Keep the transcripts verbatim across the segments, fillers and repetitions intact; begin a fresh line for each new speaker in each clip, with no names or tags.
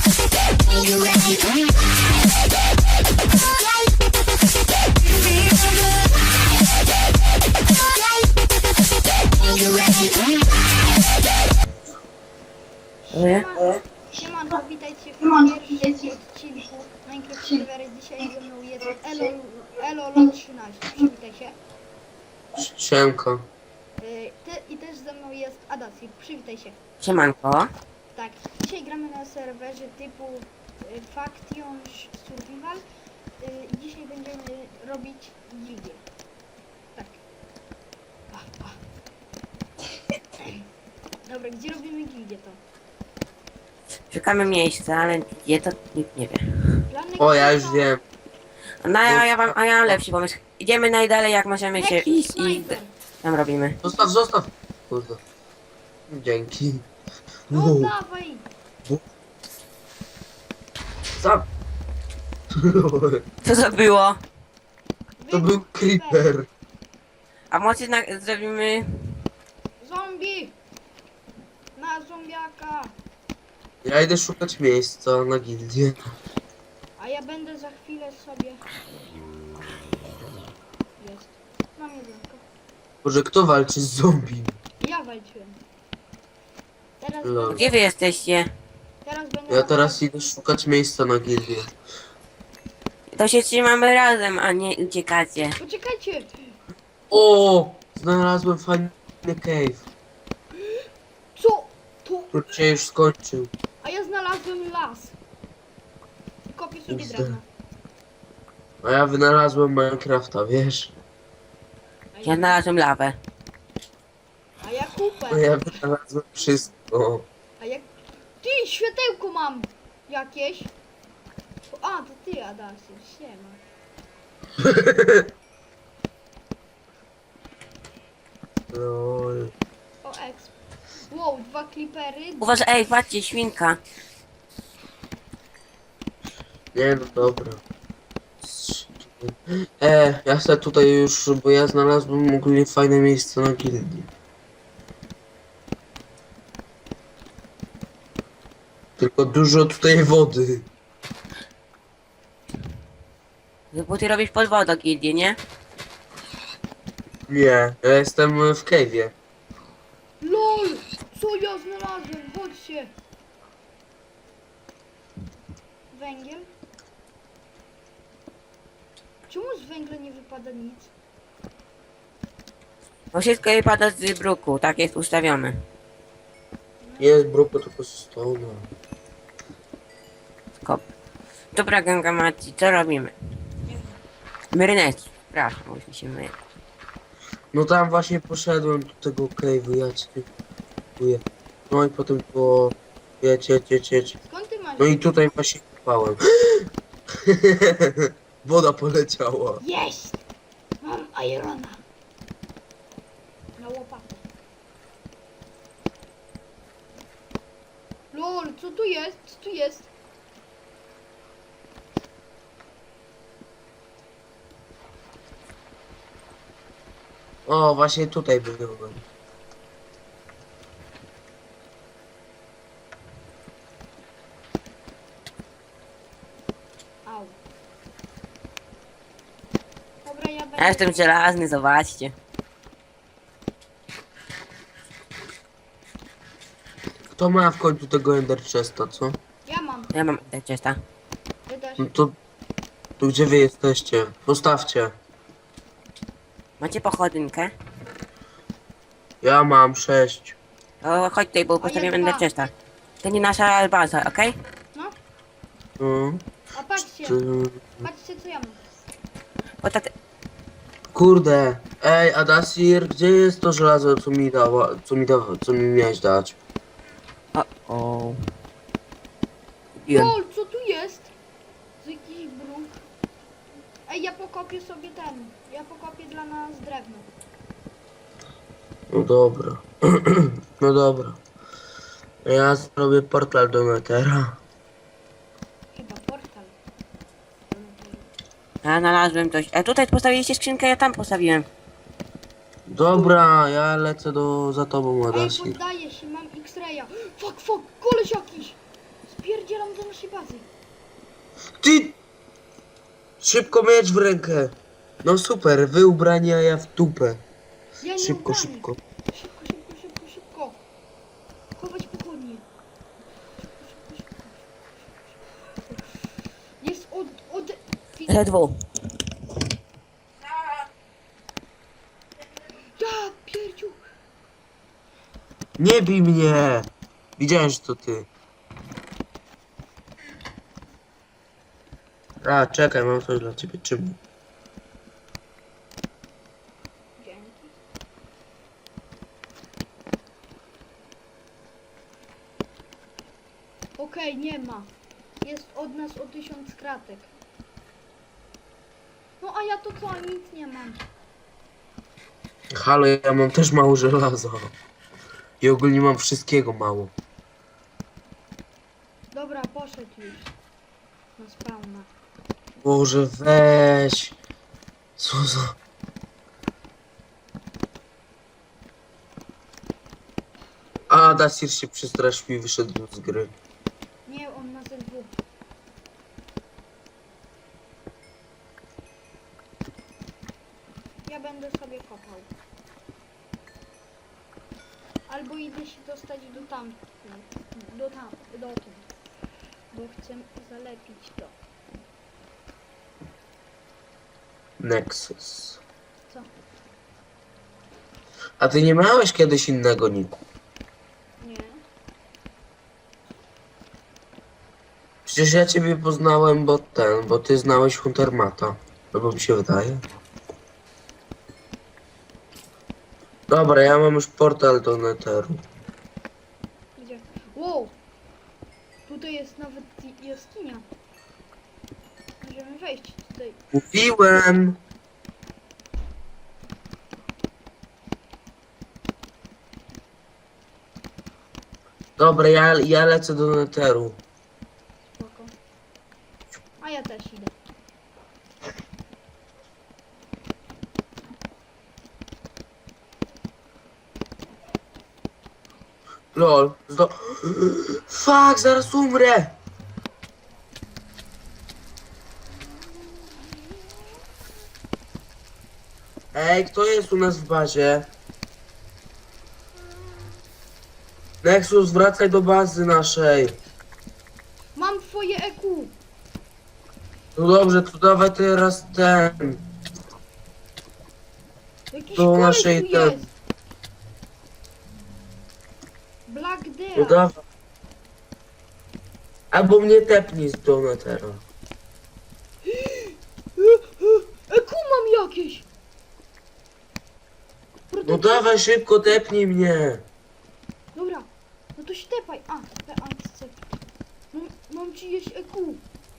Nie?
Siemanko, witajcie w pierwszym odcinku Minecraft Serwery. Dzisiaj ze mną jest Elo, Elo Lot trzynaście. Przywitaj się.
Siemko.
Y, Ty, I też ze mną jest Adasir. Przywitaj się.
Siemanko.
Tak, dzisiaj gramy na serwerze typu y, Faction Survival. Y, I dzisiaj będziemy robić gildię. Tak. Ah, ah. Dobra, gdzie robimy gildię to?
Szukamy miejsca, ale gdzie to nikt nie wie.
Planek
O, ja już wiem.
No ja, ja, wam, a ja mam lepszy pomysł. Idziemy najdalej jak możemy się
Jaki
iść i
snajper?
tam robimy.
Zostaw, zostaw. Kurde. Dzięki.
No
Wow.
dawaj!
Za...
Co to było?
To był creeper.
A może na, zrobimy...
Zombie! Na zombiaka!
Ja idę szukać miejsca na gildię.
A ja będę za chwilę sobie... Jest. Mam jedynkę.
Boże, kto walczy z zombie?
Ja walczyłem. Teraz,
Lol.
będę,
Gdzie wy jesteście?
teraz będę...
Ja teraz idę szukać miejsca na gildię.
To się trzymamy razem, a nie uciekacie.
Poczekajcie!
O! Znalazłem fajny cave,
Co? To...
który się już skończył.
A ja znalazłem las. I kopię sobie
Zde.
drewno.
A ja wynalazłem Minecrafta, wiesz?
A
Ja
ja,
znalazłem lawę.
a ja kupę.
A ja wynalazłem wszystko.
A jak... Ty, światełko mam! Jakieś. A, to ty, Adasiu. Siema.
Lol.
O, exp. Wow, dwa klipery.
Uważaj, ej, patrzcie, świnka.
Nie no dobra. E, ja chcę tutaj już, bo ja znalazłem ogólnie fajne miejsce na gildii. Tylko dużo tutaj wody.
Bo ty robisz pod wodą gildię, nie?
Nie, ja jestem w cave'ie.
LOL! Co ja znalazłem? Chodźcie! Węgiel? Czemu z węgla nie wypada nic?
Bo wszystko wypada z bruku, tak jest ustawione.
Jest bruku, tylko stone.
Skop. Dobra, Gangamaci, co robimy? Myrynecki, przepraszam, bo już mi się myje.
No tam właśnie poszedłem do tego cave'u, ja cię dziękuję. No i potem po... Jedź, jedź, jedź, jedź.
Skąd ty masz?
No i tutaj właśnie kopałem. Woda poleciała.
Jest! Mam irona! Na łopatę. LOL, co tu jest? Co tu jest?
O, właśnie tutaj byłem.
Au. Dobra, ja będę...
Ja jestem żelazny, zobaczcie.
Kto ma w końcu tego Ender Chesta, co?
Ja mam.
Ja mam tak czysta.
Wy też.
No to... To gdzie wy jesteście? Postawcie.
Macie pochodynkę?
Ja mam sześć.
To chodź tutaj, bo postawię
ja
będę
dwa.
czysta. To nie nasza baza, okej?
No,
No.
a patrzcie.
Ty...
Patrzcie, co ja mam.
Bo tak...
Kurde. Ej, Adasir, gdzie jest to żelazo, co mi dała, co mi dawa, co mi miałeś dać?
O, o. Kupiłem.
LOL, co tu jest? To jakiś bruk. Ej, ja pokopię sobie ten. Ja pokopię dla nas drewno.
No dobra. No dobra. Ja zrobię portal do Netera.
Chyba portal.
Ja znalazłem coś. A tutaj postawiliście skrzynkę, ja tam postawiłem.
Dobra, ja lecę do, za tobą,
Ej,
Adasir.
poddaję się, mam X-raya. Fuck, fuck, koleś jakiś. Spierdzielam do naszej bazy.
Ty! Szybko miecz w rękę. No super, wy ubrani, a ja w dupę.
Ja nie
Szybko,
ubrany.
szybko.
Szybko, szybko, szybko, szybko. Chować pochodnie. Szybko, szybko, szybko. Jest od... od...
Ledwo.
Ja pierdziu.
Nie bij mnie! Widziałem, że to ty. A, czekaj, mam coś dla ciebie. Czym?
Dzięki. Okej, nie ma. Jest od nas o tysiąc kratek. No a ja to co? Nic nie mam.
Halo, ja mam też mało żelaza. I ogólnie mam wszystkiego mało.
Dobra, poszedł już. Na spawna.
Boże, weź. Co za... A, Dasir się przestraszył i wyszedł z gry.
Nie, on ma ze dwóch. Ja będę sobie kopał. Albo idę się dostać do tam. Do tam, dotąd. Bo chcę zalepić to.
Nexus.
Co?
A ty nie miałeś kiedyś innego niku?
Nie.
Przecież ja ciebie poznałem, bo ten, bo ty znałeś Huntermata. No bo mi się wydaje. Dobra, ja mam już portal do Netheru.
Gdzie? Wow! Tutaj jest nawet i- jaskinia. Możemy wejść tutaj.
Mówiłem! Dobra, ja, ja lecę do Netheru.
Spoko. A ja też idę.
Lol, zdo... Fuck, zaraz umrę! Ej, kto jest u nas w bazie? Nexus, wracaj do bazy naszej.
Mam twoje E Q!
No dobrze, to dawaj teraz ten.
Jakiś
Do
koleś
naszej
tu
ten.
jest! Black
No
Death!
dawaj. Albo mnie tepnij z Donatera.
E Q mam jakieś!
No
Prototyp.
dawaj szybko, tepnij mnie.
Dobra, no to się tepaj. A, te akcje. Mam, mam czyjeś E Q.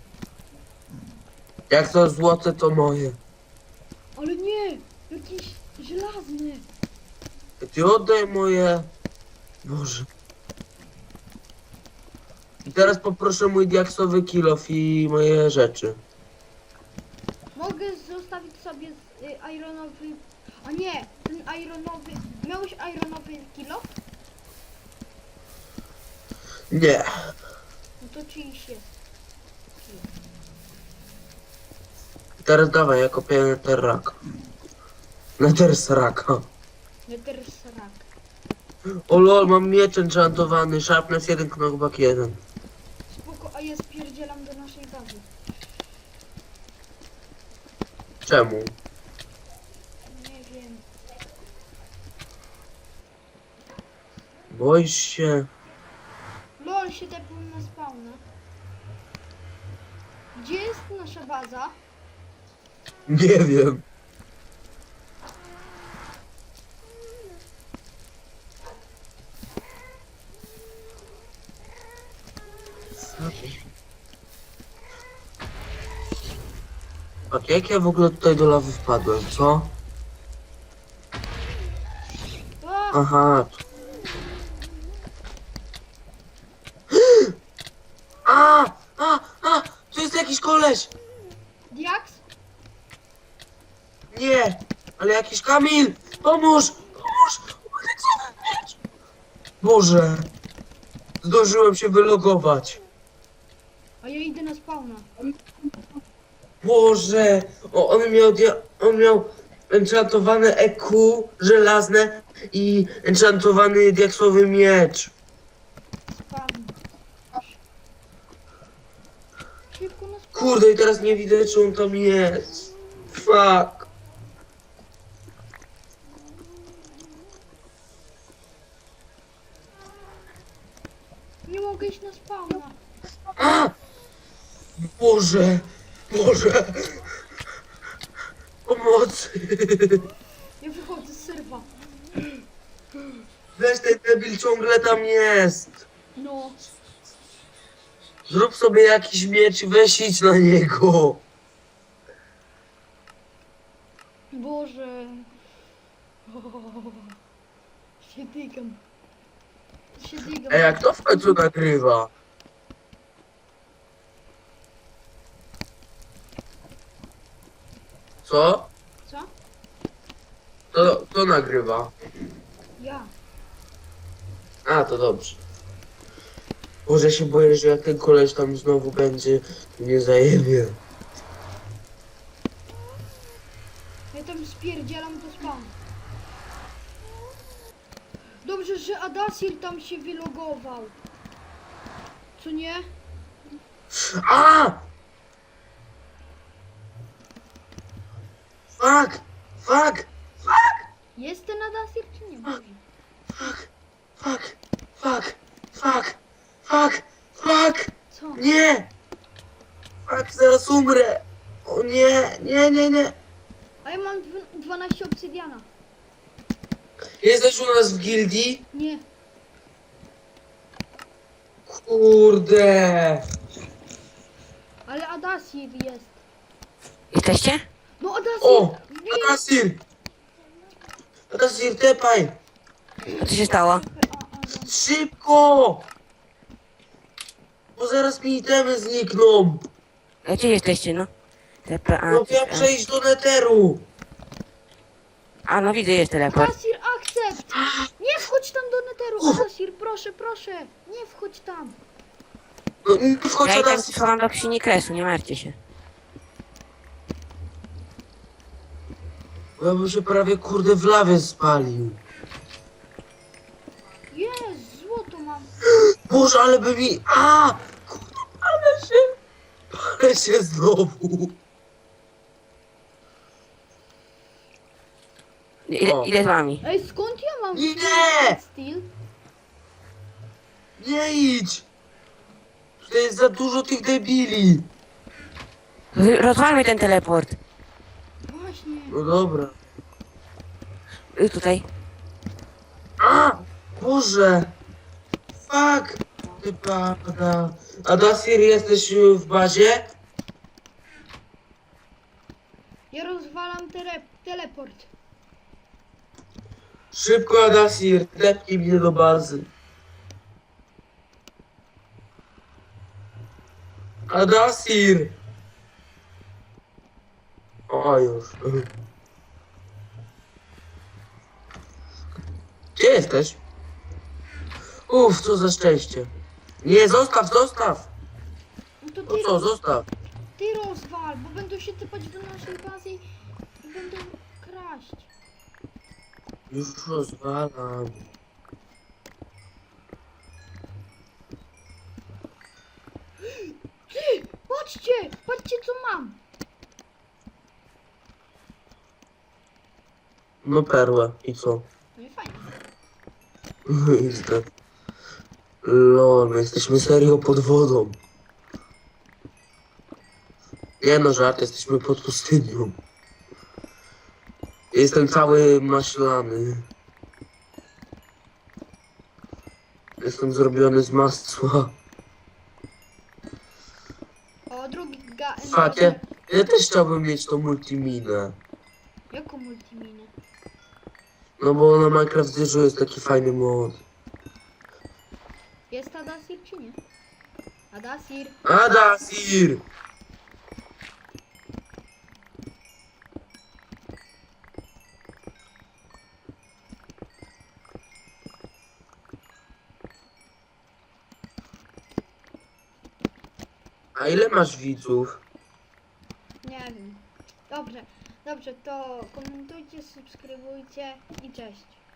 Jak to złote, to moje.
Ale nie! Jakiś żelazny.
Ty oddaj moje. Boże. I teraz poproszę mój diaksowy kilof i moje rzeczy.
Mogę zostawić sobie z, y, ironowy... A nie! Ten ironowy... Miałeś ironowy kilo?
Nie.
No to czyjś jest.
I teraz dawaj, ja kopię netherraka. Netherraka.
Nethersarak.
O lol, mam miecz enchantowany. Sharpness jeden, knockback jeden.
Spoko, a ja spierdzielam do naszej bazy.
Czemu?
Nie wiem.
Boisz się?
LOL się tepnął na spawna. Gdzie jest nasza baza?
Nie wiem. A jak ja w ogóle tutaj do lawy wpadłem, co?
A,
Aha. A! A! A! Tu jest jakiś koleś!
Diaks?
Nie! Ale jakiś Kamil! Pomóż! Pomóż! Boże! Zdążyłem się wylogować.
A ja idę na spawna.
Boże! O, on miał, dia- on miał enchantowane E Q żelazne i enchantowany diaksowy miecz.
Spawn. Szybko na spawn.
Kurde, i teraz nie widzę, czy on tam jest. Fuck.
Nie mogę iść na spawna.
A! Boże! Boże! Pomocy!
Ja wychodzę z serwa.
Weź ten debil ciągle tam jest.
No.
Zrób sobie jakiś miecz i weź idź na niego.
Boże. O, się dygam. Się dygam.
Ej, jak to w końcu nagrywa? Co?
Co?
To, to nagrywa.
Ja.
A, to dobrze. Boże, się boję, że jak ten koleś tam znowu będzie, to nie zajebie.
Ja tam spierdzielam do spawn. Dobrze, że Adasir tam się wylogował. Co nie?
A! Fuck! Fuck!
Jest ten Adasir czy nie? Boże.
Fuck! Fuck! Fuck! Fuck! Fuck! Fuck!
Co?
Nie! Fuck, zaraz umrę! O nie, nie, nie, nie!
A ja mam dw- dwanaście obsydiana.
Jesteś u nas w gildii?
Nie.
Kurde!
Ale Adasir jest.
Jesteście?
No Adasir!
O!
Nie.
Adasir! Adasir, tepaj!
A co się stało?
A, a, a.
Szybko! Bo zaraz mi itemy znikną!
A gdzie jesteście, no? T P A.
No ja przejść do neteru!
A no widzę, jest teleport.
Adasir, akcept! Nie wchodź tam do neteru! Adasir, proszę, proszę! Nie wchodź tam!
No nie wchodź,
Ja i tam
Adasir!
schowam do krzyni kresu, nie martwcie się.
Bo ja bym się prawie kurde w lawie spalił.
Jest, złoto mam.
Boże, ale by mi... A! Kurde, ale się... Ale się znowu.
Ile,
O.
ile z wami?
Ej, skąd ja mam
Nie!
steel?
Nie idź! To jest za dużo tych debili.
Rozwalmy ten teleport.
Właśnie.
No dobra.
Y, Tutaj.
A! Boże! Fuck! Ty pada. Adasir, jesteś w bazie?
Ja rozwalam tele teleport.
Szybko, Adasir, tepnij mnie do bazy. Adasir! O, już. Gdzie jesteś? Uff, co za szczęście. Nie, zostaw, zostaw!
No to
No
ty,
co, zostaw?
ty rozwal, bo będą się typać do naszej bazy i będą kraść.
Już rozwalam.
Ty, patrzcie, patrzcie co mam.
No perłę. I co?
No i fajnie.
Jestem. Lol, my jesteśmy serio pod wodą. Nie no, żart, jesteśmy pod pustynią. Jestem cały maślany. Jestem zrobiony z masła.
O, drugi ga...
Fuck, ja, ja też chciałbym mieć tą multiminę.
Jaką multiminę?
No bo na Minecraft Zero jest taki fajny mod.
Jest Adasir czy nie? Adasir.
Adasir! A ile masz widzów?
Nie wiem. Dobrze, dobrze, to komentujcie, subskrybujcie i cześć.